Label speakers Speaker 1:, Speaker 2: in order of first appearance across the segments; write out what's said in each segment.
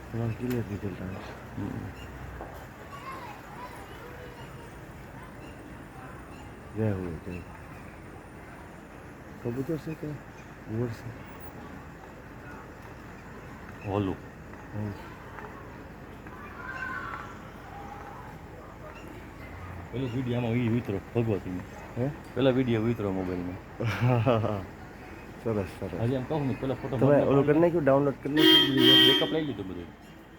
Speaker 1: તમારે clear result આવે છે જય હોય જય કબૂતર છે કે ઉવર છે
Speaker 2: હોલું પેલો વિડીયો આમાં વિતરો ભગવતીમાં
Speaker 1: હે
Speaker 2: પેલા વિડીયો વિતરો મોબાઈલમાં
Speaker 1: સરસ સરસ
Speaker 2: હજી એમ કહું ને પેલા ફોટો
Speaker 1: તમે ઓલું કરી નાખ્યું ડાઉનલોડ કરી નાખ્યું
Speaker 2: બેકઅપ લઈ લીધું બધું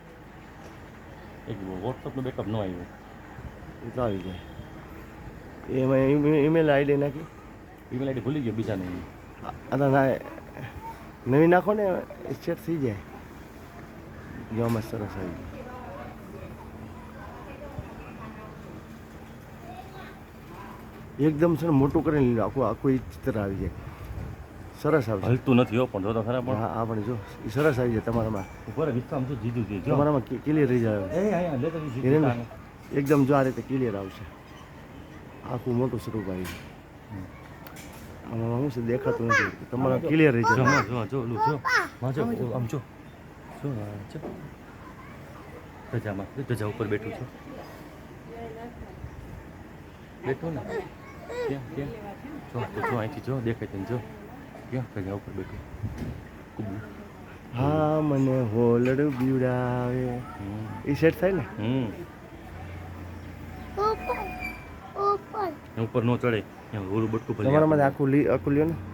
Speaker 2: એક વોટ્સઅપનું બેકઅપ ન આવ્યું
Speaker 1: એ તો આવી જાય એમાં ઈમેલ આઈડી નાખી
Speaker 2: ઈમેલ આઈડી ભૂલી ગયો બીજાને
Speaker 1: ના નવી નાખો ને સેટ થઈ જાય જોવામાં સરસ આવી જાય એકદમ છે ને મોટું કરીને લીધું આખું આખું એ ચિત્ર આવી જાય સરસ આવે
Speaker 2: હલતું નથી હો પણ જો તો ખરા પણ
Speaker 1: હા આ પણ જો એ સરસ આવી જાય તમારામાં
Speaker 2: ઉપર વિશ્વામ જો જીધું છે જો
Speaker 1: તમારામાં ક્લિયર રહી જાય
Speaker 2: એ હા લેતો જીધું
Speaker 1: એકદમ જો આ રીતે ક્લિયર આવશે આખું મોટું સ્વરૂપ આવી જાય આમાં શું છે દેખાતું નથી તમારા ક્લિયર રહી
Speaker 2: જો
Speaker 1: જાય
Speaker 2: જો જો ઓલું જો માં જો આમ જો જો જો ધજામાં ધજા ઉપર બેઠું છું બેઠું ને ક્યાં ક્યાં જો તો જો અહીંથી જો દેખાય તને જો ક્યાં ધજા ઉપર બેઠું કુબુ
Speaker 1: હા મને હોલડું બીવડાવે એ સેટ થાય ને
Speaker 2: ઉપર નો ચડે ત્યાં હોરું બટકું ભલે
Speaker 1: તમારામાં આખું આખું લ્યો ને